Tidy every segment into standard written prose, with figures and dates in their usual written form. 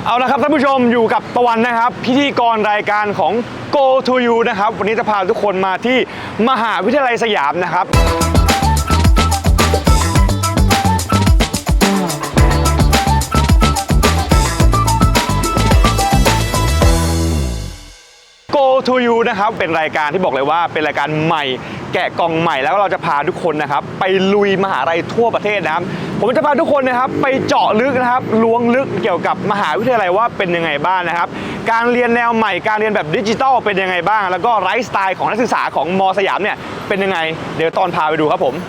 เอาละครับท่านผู้ชมอยู่กับตะวันนะครับพิธีกรรายการของ Go to You นะครับวันนี้จะพาทุกคนมาที่มหาวิทยาลัยสยามนะครับGo to You นะครับเป็นรายการที่บอกเลยว่าเป็นรายการใหม่แกะกล่องใหม่แล้วเราจะพาทุกคนนะครับไปลุยมหาลัยทั่วประเทศนะครับผมจะพาทุกคนนะครับไปเจาะลึกนะครับล้วงลึกเกี่ยวกับมหาวิทยาลัยว่าเป็นยังไงบ้างนะครับการเรียนแนวใหม่การเรียนแบบดิจิทัลเป็นยังไงบ้างแล้วก็ไลฟ์สไตล์ของนักศึกษาของม.สยามเนี่ยเป็นยังไงเดี๋ยวตอนพาไปดูครับผม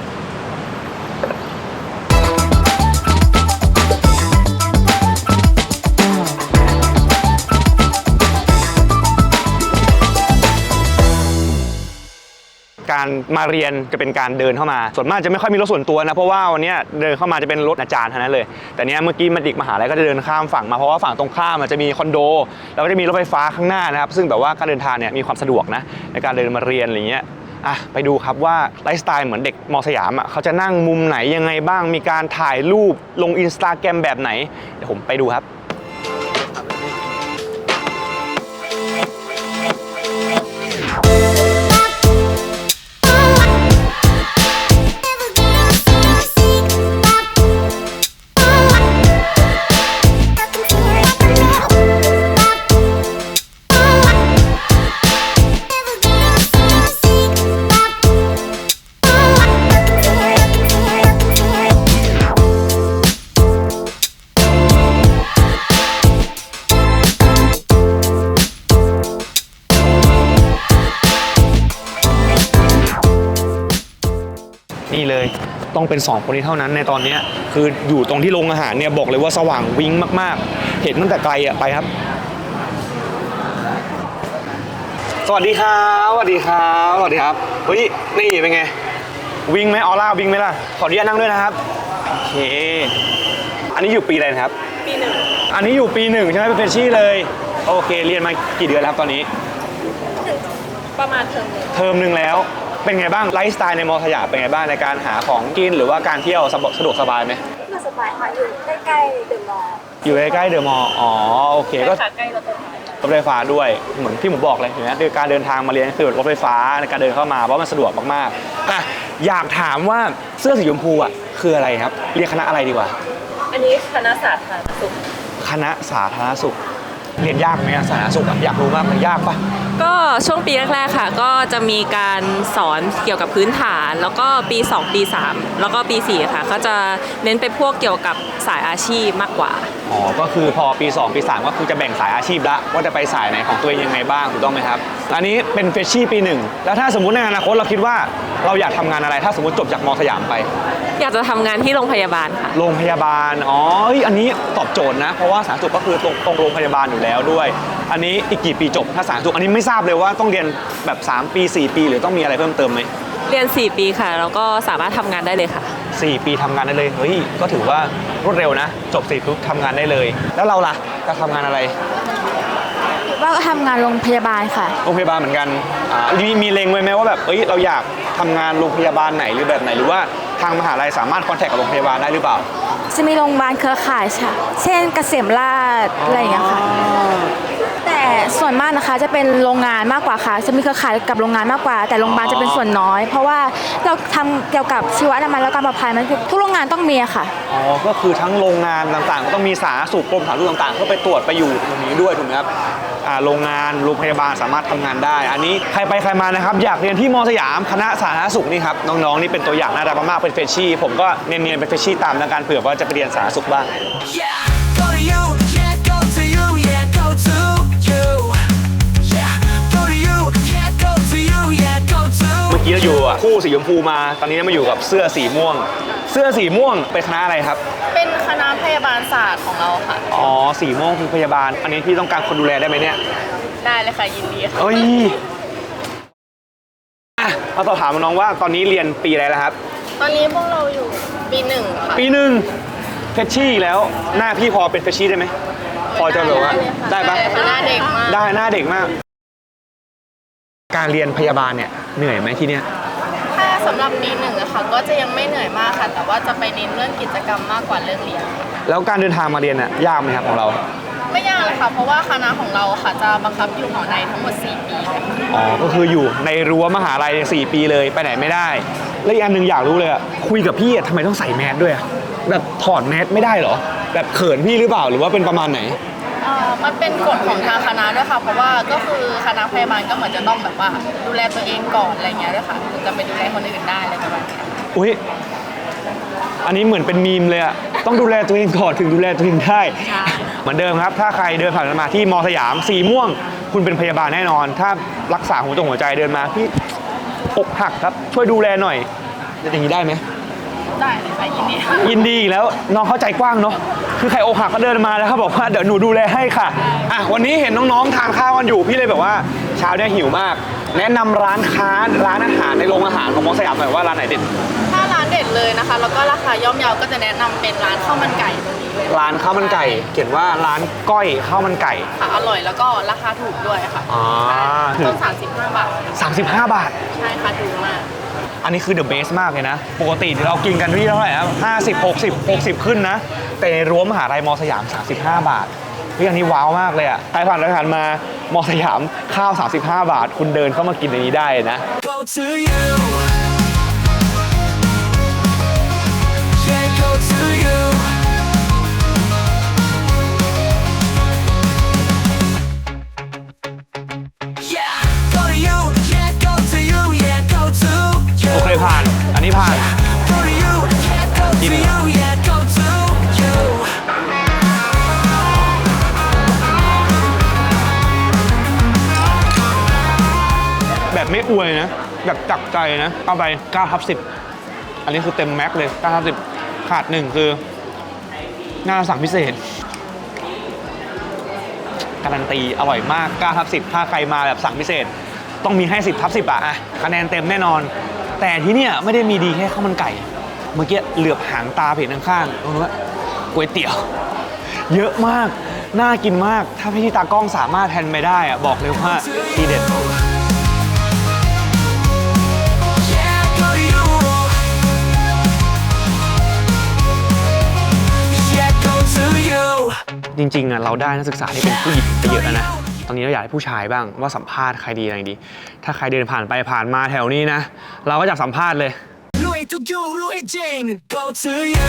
การมาเรียนจะเป็นการเดินเข้ามาส่วนมากจะไม่ค่อยมีรถส่วนตัวนะเพราะว่าวันนี้เดินเข้ามาจะเป็นรถอาจารย์เท่านั้นเลยแต่เนี้ยเมื่อกี้มันดิกมหาลัยก็จะเดินข้ามฝั่งมาเพราะว่าฝั่งตรงข้ามมันจะมีคอนโดแล้วก็จะมีรถไฟฟ้าข้างหน้านะครับซึ่งแบบว่าการเดินทางเนี่ยมีความสะดวกนะในการเดินมาเรียนอะไรเงี้ยไปดูครับว่าไลฟ์สไตล์เหมือนเด็กม.สยามเขาจะนั่งมุมไหนยังไงบ้างมีการถ่ายรูปลง Instagram แบบไหนเดี๋ยวผมไปดูครับนี่เลยต้องเป็น2คนนี้เท่านั้นในตอนนี้คืออยู่ตรงที่โรงอาหารเนี่ยบอกเลยว่าสว่างวิ้งมากๆเห็นตั้งแต่ไกลไปครับสวัสดีครับสวัสดีครับสวัสดีครับเฮ้ยนี่เป็นไงวิ้งไหมออร่าวิ้งไหมล่ะขออนุญาตนั่งด้วยนะครับโอเคอันนี้อยู่ปีอะไรนะครับปี 1อันนี้อยู่ปี 1ใช่ไหมเป็นเฟรชชี่เลยโอเคเรียนมากี่เดือนแล้วครับตอนนี้ประมาณเทอมนึงแล้วเป็นไงบ้างไลฟ์สไตล์ในม.สยามเป็นไงบ้างในการหาของกินหรือว่าการเที่ยวสะดวกสบายไหมสบายค่ะอยู่ใกล้ๆเดอะมอลล์อยู่ใกล้ๆเดอะมอลล์อ๋อโอเคก็ใกล้รถไฟฟ้าด้วยเหมือนที่ผมบอกเลยเห็นไหมคือการเดินทางมาเรียนคือรถไฟฟ้าในการเดินเข้ามาเพราะมันสะดวกมากๆอยากถามว่าเสื้อสีชมพูคืออะไรครับเรียกคณะอะไรดีกว่าอันนี้คณะสาธารณสุขคณะสาธารณสุขเรียนยากไหมสาธารณสุขอยากรู้มากมันยากปะก็ช่วงปีแรกๆค่ะก็จะมีการสอนเกี่ยวกับพื้นฐานแล้วก็ปี2ปี3แล้วก็ปี4ค่ะก็จะเน้นไปพวกเกี่ยวกับสายอาชีพมากกว่าอ๋อก็คือพอปี2ปี3ก็คือจะแบ่งสายอาชีพละว่าจะไปสายไหนของตัวเองยังไงบ้างถูกต้องไหมครับอันนี้เป็นเฟรชชี่ปี1แล้วถ้าสมมุติในอนาคตเราคิดว่าเราอยากทำงานอะไรถ้าสมมติจบจากม.สยามไปอยากจะทำงานที่โรงพยาบาลค่ะโรงพยาบาลอ๋ออันนี้ตอบโจทย์นะเพราะว่าสาธารณสุขก็คือตรงโรงพยาบาลอยู่แล้วด้วยอันนี้อีกกี่ปีจบถ้าสาธารณสุขอันนี้ไม่ทราบเลยว่าต้องเรียนแบบ3ปี4ปีหรือต้องมีอะไรเพิ่มเติมไหมเรียน4ปีค่ะแล้วก็สามารถทำงานได้เลยค่ะ 4ปีทำงานได้เลยเฮ้ยก็ถือว่ารวดเร็วนะจบ4ปุ๊บทำงานได้เลยแล้วเราล่ะจะทำงานอะไรว่าทำงานโรงพยาบาลค่ะโรงพยาบาลเหมือนกันมีเล็งไว้ไหมว่าแบบเราอยากทำงานโรงพยาบาลไหนหรือแบบไหนหรือว่าทางมหาลัยสามารถคอนแทคกับโรงพยาบาลได้หรือเปล่าจะมีโรงพยาบาลเครือข่ายค่ะเช่นเกษมราษฎร์อะไรอย่างเงี้ยค่ะแต่ส่วนมากนะคะจะเป็นโรงงานมากกว่าค่ะจะมีเครือข่ายกับโรงงานมากกว่าแต่โรงพยาบาลจะเป็นส่วนน้อยเพราะว่าเราทำเกี่ยวกับชีวอนามัยและการปลอดภัยมันทุกโรงงานต้องมีค่ะอ๋อก็คือทั้งโรงงานต่างๆก็ต้องมีสาธารณสุขกรมสาธารณสุขต่างๆเพื่อไปตรวจไปอยู่ตรงนี้ด้วยถูกไหมครับโรงงานโรงพยาบาลสามารถทำงานได้อันนี้ใครไปใครมานะครับอยากเรียนที่ม.สยามคณะสาธารณสุขนี่ครับน้องๆนี่เป็นตัวอย่างน่ารักมากๆเป็นเฟรชชี่ผมก็เนียนๆเป็นเฟรชชี่ตามในการเผื่อว่าจะไปเรียนสาธารณสุขบ้างเมื่อกี้เราอยู่คู่สีชมพูมาตอนนี้มาอยู่กับเสื้อสีม่วงเป็นคณะอะไรครับเป็นคณะพยาบาลศาสตร์ของเราค่ะอ๋อสีม่วงคือพยาบาลอันนี้พี่ต้องการคนดูแลได้ไหมเนี่ยได้เลยค่ะยินดีค่ะมาสอบถามน้องว่าตอนนี้เรียนปีอะไรแล้วครับตอนนี้พวกเราอยู่ปี1ค่ะปี1เฟรชชี่แล้วหน้าพี่พอเป็นเฟรชชี่ได้ไหมพอจะแบบว่าได้ปะหน้าเด็กมากได้หน้าเด็กมากการเรียนพยาบาลเนี่ยเหนื่อยไหมที่เนี้ยถ้าสำหรับปี1อะค่ะก็จะยังไม่เหนื่อยมากค่ะแต่ว่าจะไปเน้นเรื่องกิจกรรมมากกว่าเรื่องเรียนแล้วการเดินทางมาเรียนยากไหมครับของเราไม่ยากเลยค่ะเพราะว่าคณะของเราค่ะจะบังคับอยู่หอในทั้งหมด4 ปีเลยค่ะอ๋อก็คืออยู่ในรั้วมหาลัย4 ปีเลยไปไหนไม่ได้และอีกอันหนึ่งอยากรู้เลยอะคุยกับพี่อะทำไมต้องใส่แมสด้วยอะแบบถอดแมสไม่ได้เหรอแบบเขินพี่หรือเปล่าหรือว่าเป็นประมาณไหนมันเป็นกฎของทางคณะด้วยค่ะเพราะว่าก็คือคณะพยาบาลก็เหมือนจะต้องแบบว่าดูแลตัวเองก่อนอะไรเงี้ยด้วยค่ะถึงจะไปดูแลคนอื่นได้อะไรประมาณนี้อุ้ยอันนี้เหมือนเป็นมีมเลยอะต้องดูแลตัวเองก่อนถึงดูแลตัวเองได้ เหมือนเดิมครับ ถ้าใครเดินผ่านมาที่มอสยามสีม่วง คุณเป็นพยาบาลแน่นอน ถ้ารักษาหัวใจเดินมาพี่อกหักครับช่วยดูแลหน่อยจะอย่างนี้ได้ไหมได้เลยค่ะยินดีค่ะยินดีอีกแล้วน้องเข้าใจกว้างเนาะคือใครอกหักก็เดินมาแล้วเขาบอกว่าเดี๋ยวหนูดูแลให้ค่ะอ่ะวันนี้เห็นน้องๆทานข้าวกันอยู่พี่เลยแบบว่าเช้าเนี่ยหิวมาก แนะนำร้านค้าร้านอาหารในโรงอาหารของมอสยามหน่อยว่าร้านไหนเด็ดถ้าร้านเด็ดเลยนะคะแล้วก็ราคาย่อมเยาก็จะแนะนำเป็นร้านข้าวมันไก่ตรงนี้เลยร้านข้าวมันไก่เขียนว่าร้านก้อยข้าวมันไก่ค่ะอร่อยแล้วก็ราคาถูกด้วยค่ะอ๋อต้น35 บาท 35 บาทใช่ค่ะถูกมากอันนี้คือเดอะเบสมากเลยนะ ปกติเรากินกันที่เท่าไหร่นะ50 60 ขึ้นนะ แต่ในรั้วมหาลัยมอสยาม 35 บาทเฮ้ยอันนี้ว้าวมากเลยอ่ะใครผ่านไปผ่านมามอสยามข้าว 35 บาท คุณเดินเข้ามากินในนี้ได้นะ Go to you. Yeah, go to you. Yeah, go to you. Yeah, go to you. Yeah, go to you. โอเคผ่าน อันนี้ผ่าน Go to you. Yeah, go to you. Yeah, go to you. แบบไม่อวยนะ แบบจักใจนะ เอาไป9/10 อันนี้คือเต็มแม็กเลย9/10 ขาดหนึ่งคือหน้าสั่งพิเศษ การันตีอร่อยมาก9/10 ถ้าใครมาแบบสั่งพิเศษ ต้องมีให้ 10/10 อะคะแนนเต็มแน่นอน แต่ที่เนี่ยไม่ได้มีดีแค่ข้าวมันไก่ เมื่อกี้เหลือบหางตาเห็นข้างๆตรงนู้นว่าก๋วยเตี๋ยว เยอะมาก น่ากินมาก ถ้าพี่ตากล้องสามารถแทนไปได้อะบอกเลยว่าทีเด็ด Yeah, go to you. Yeah, go to you. จริงๆอ่ะเราได้นักศึกษาที่เป็นผู้หญิงไปเยอะแล้วนะ ตอนนี้เราอยากให้ผู้ชายบ้างว่าสัมภาษณ์ใครดีอะไรดี ถ้าใครเดินผ่านไปผ่านมาแถวนี้นะ เราก็จะสัมภาษณ์เลย Louis to you, Louis Jane. Go to you.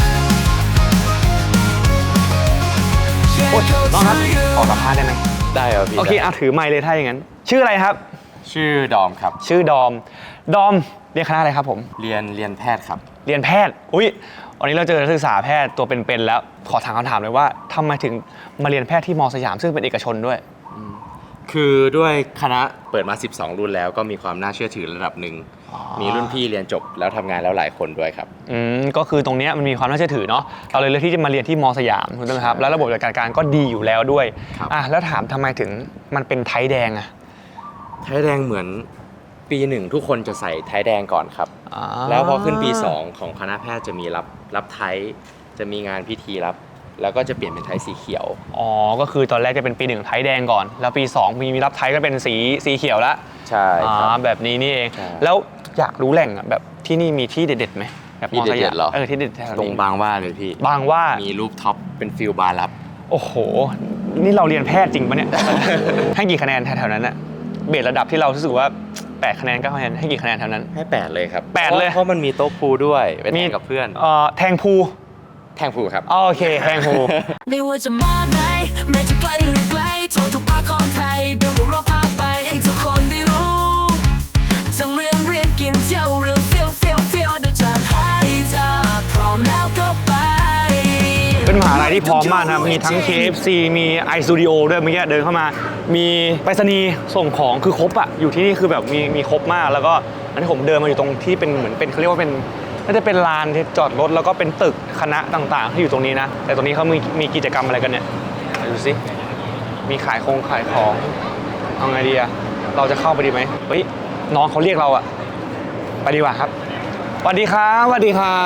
โอ๊ย Yeah, น้อง go ครับ to you. ขอสัมภาษณ์ได้ไหมได้ครับพี่โอเคเอาถือไมค์เลยถ้าอย่างนั้น ชื่ออะไรครับชื่อดอมครับชื่อดอม ดอมเรียนคณะอะไรครับผมเรียนแพทย์ครับเรียนแพทย์ อุ๊ย วันนี้เราเจอนักศึกษาแพทย์ตัวเป็นๆแล้ว ขอถามคำถามเลยว่าทำไมถึงมาเรียนแพทย์ที่มอสยามซึ่งเป็นเอกชนด้วยคือด้วยคณะเปิดมา 12 รุ่นแล้วก็มีความน่าเชื่อถือระดับหนึ่ง มีรุ่นพี่เรียนจบแล้วทำงานแล้วหลายคนด้วยครับก็คือตรงเนี้ยมันมีความน่าเชื่อถือเนาะเราเลยเลือกที่จะมาเรียนที่มอสยามถูกต้องไหมครับแล้วระบบจัดการก็ดีอยู่แล้วด้วยครับแล้วถามทำไมถึงมันเป็นไทยแดงอะไทยแดงเหมือนปีหนึ่งทุกคนจะใส่ไทยแดงก่อนครับอ่าแล้วพอขึ้นปี 2 ของคณะแพทย์จะมีรับไทยจะมีงานพิธีรับ แล้วก็จะเปลี่ยนเป็นไทยสีเขียวอ๋อก็คือตอนแรกจะเป็นปี1ไทยแดงก่อน แล้วปี2มีรับไทยก็เป็นสีเขียวแล้วใช่ครับแบบนี้นี่เองใช่แล้วอยากรู้แหล่งอะแบบที่นี่มีที่เด็ดๆไหมแบบที่มอสเด็ยามดๆเหรอที่เด็ดแถวตรงนี้บางหว่าเลยพี่บางหว่ามีรูปท็อปเป็นฟิลบาร์ลับโอ้โห นี่เราเรียนแพทย์จริงปะเนี่ย ให้กี่คะแนนแถวๆนั้นอะเบสระดับที่เรารู้สึกว่า8 คะแนน9 คะแนนให้กี่คะแนนแถวนั้นให้ 8 เลยครับ 8เลยเพราะมันมีโต๊ะพูลด้วยไปแทนกับเพื่อนแทงพูแทงพูลครับโอเคแทงพูไม่ว่าจะมาไหนไม่จะไกลหรือไกลโทรทุกภาคของไทยเดี๋ยวพวกเราพาไปให้ทุกคนได้รู้ทั้งเรียนกินเที่ยวหรือเฟี้ยวเดี๋ยวจะให้เธอพร้อมแล้วก็ไปเป็นมหาลัยที่พร้อมมากนะครับ มีทั้ง KFC มี iStudio ด้วยเมื่อกี้เดินเข้ามา มีไปรษณีย์ส่งของคือครบอะอยู่ที่นี่คือแบบมีครบมาก แล้วก็อันที่ผมเดินมาอยู่ตรงที่เป็นเหมือนเป็นเขาเรียกว่าเป็นน่าจะเป็นลานที่จอดรถแล้วก็เป็นตึกคณะต่างๆที่อยู่ตรงนี้นะ แต่ตรงนี้เขามีกิจกรรมอะไรกันเนี่ยดูสิ มีขายของเอาไงดีอะเราจะเข้าไปดีไหมเฮ้ยน้องเขาเรียกเราอะไปดีกว่าครับสวัสดีครับสวัสดีครับ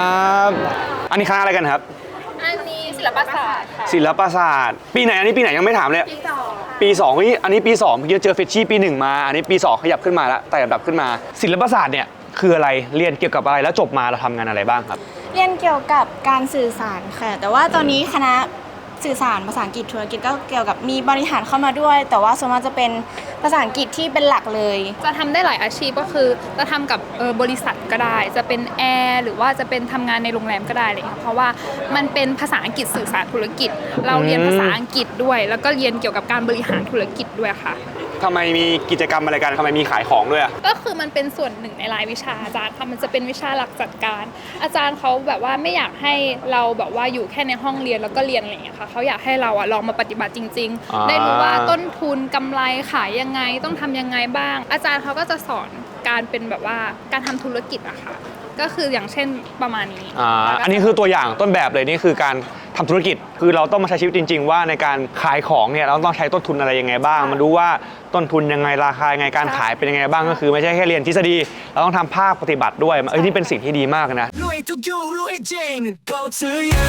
อันนี้คณะอะไรกันครับอันนี้ศิลปศาสตร์ค่ะศิลปศาสตร์ปีไหนอันนี้ปีไหนยังไม่ถามเลยปีสองปี2นี่อันนี้ปี2เมื่อกี้เจอเฟชชี่ปี1มาอันนี้ปี2ขยับขึ้นมาแล้วแต่ระดับขึ้นมา ศิลปศาสตร์เนี่ยคืออะไรเรียนเกี่ยวกับอะไรแล้วจบมาเราทำงานอะไรบ้างครับเรียนเกี่ยวกับการสื่อสารค่ะ แต่ว่าตอนนี้คณะสื่อสารภาษาอังกฤษธุรกิจก็เกี่ยวกับมีบริหารเข้ามาด้วย แต่ว่าส่วนมากจะเป็นภาษาอังกฤษที่เป็นหลักเลยจะทำได้หลายอาชีพก็คือจะทำกับบริษัทก็ได้ จะเป็นแอร์หรือว่าจะเป็นทำงานในโรงแรมก็ได้เลยค่ะเพราะว่ามันเป็นภาษาอังกฤษสื่อสารธุรกิจ เราเรียนภาษาอังกฤษด้วย แล้วก็เรียนเกี่ยวกับการบริหารธุรกิจด้วยค่ะทำไมมีกิจกรรมอะไรกันทำไมมีขายของด้วยอะก็คือมันเป็นส่วนหนึ่งในรายวิชาอาจารย์ค่ะมันจะเป็นวิชาหลักจัดการ อาจารย์เขาแบบว่าไม่อยากให้เราแบบว่าอยู่แค่ในห้องเรียนแล้วก็เรียนอะไรอย่างเงี้ยค่ะเขาอยากให้เราลองมาปฏิบัติจริง ๆ ได้รู้ว่าต้นทุนกำไรขายยังไงต้องทำยังไงบ้าง อาจารย์เขาก็จะสอนการเป็นแบบว่าการทำธุรกิจอะค่ะก็คืออย่างเช่นประมาณนี้อันนี้คือตัวอย่างต้นแบบเลยนี่คือการทำธุรกิจคือเราต้องมาใช้ชีวิตจริง ๆ ว่าในการขายของเนี่ยเราต้องใช้ต้นทุนอะไรยังไงบ้างมาดูว่าต้นทุนยังไงราคายังไงการขายเป็นยังไงบ้างก็คือไม่ใช่แค่เรียนทฤษฎีเราต้องทำภาคปฏิบัติด้วยนี่เป็นสิ่งที่ดีมากนะรวยทุกยูรวยจริง go to you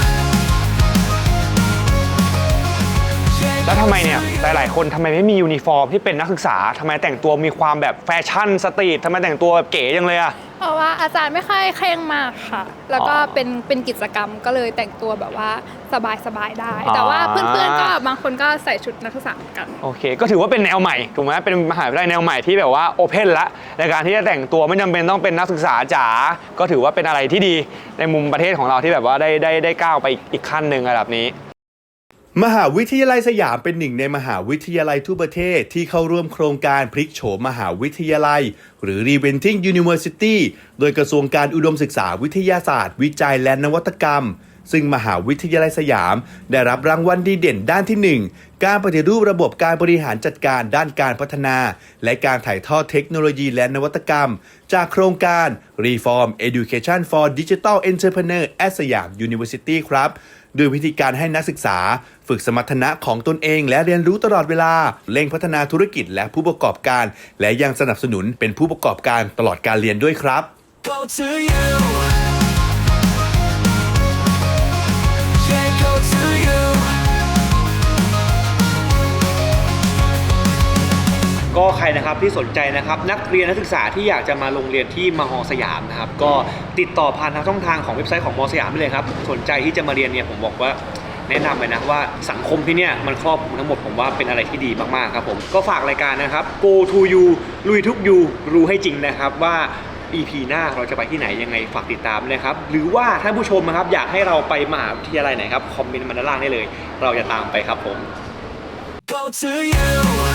แล้วทำไมเนี่ยหลายๆคนทำไมไม่มียูนิฟอร์มที่เป็นนักศึกษาทำไมแต่งตัวมีความแบบแฟชั่นสตรีททำไมแต่งตัวแบบเก๋จังเลยอะเพราะว่าอาจารย์ไม่ค่อยเคร่งมากค่ะ แล้วก็เป็นกิจกรรมก็เลยแต่งตัวแบบว่าสบายๆได้ แต่ว่าเพื่อนๆก็บางคนก็ใส่ชุดนักศึกษาเหมือนกันโอเคก็ถือว่าเป็นแนวใหม่ถูกไหมเป็นมหาวิทยาลัยแนวใหม่ที่แบบว่าโอเพนละในการที่จะแต่งตัวไม่จำเป็นต้องเป็นนักศึกษาจ๋าก็ถือว่าเป็นอะไรที่ดีในมุมประเทศของเราที่แบบว่าได้ก้าวไปอีกขั้นหนึ่งระดับนี้มหาวิทยาลัยสยามเป็นหนึ่งในมหาวิทยาลัยทั่วประเทศที่เข้าร่วมโครงการพลิกโฉมมหาวิทยาลัยหรือ Reinventing University โดยกระทรวงการอุดมศึกษาวิทยาศาสตร์วิจัยและนวัตกรรมซึ่งมหาวิทยาลัยสยามได้รับรางวัลดีเด่นด้านที่ 1 การปฏิรูประบบการบริหารจัดการด้านการพัฒนาและการถ่ายทอดเทคโนโลยีและนวัตกรรมจากโครงการ Reform Education for Digital Entrepreneur at สยาม University ครับโดยวิธีการให้นักศึกษาฝึกสมรรถนะของตนเองและเรียนรู้ตลอดเวลาเร่งพัฒนาธุรกิจและผู้ประกอบการและยังสนับสนุนเป็นผู้ประกอบการตลอดการเรียนด้วยครับ go to you yeah go to you ก็ใครนะครับที่สนใจนะครับนักเรียนนักศึกษาที่อยากจะมาลงเรียนที่มหสยามนะครับก็ติดต่อผ่านทางช่องทางของเว็บไซต์ของมสยามได้เลยครับสนใจที่จะมาเรียนเนี่ยผมบอกว่าแนะนำเลยนะว่าสังคมที่เนี่ยมันครอบคลุมทั้งหมดผมว่าเป็นอะไรที่ดีมากๆครับผมก็ฝากรายการนะครับ Go to You ลุยทุกยูรู้ให้จริงนะครับว่า EP หน้าเราจะไปที่ไหนยังไงฝากติดตามเลยครับหรือว่าท่านผู้ชมนะครับอยากให้เราไปมหาวิทยาลัยไหนครับคอมเมนต์มาด้านล่างได้เลยเราจะตามไปครับผม go to you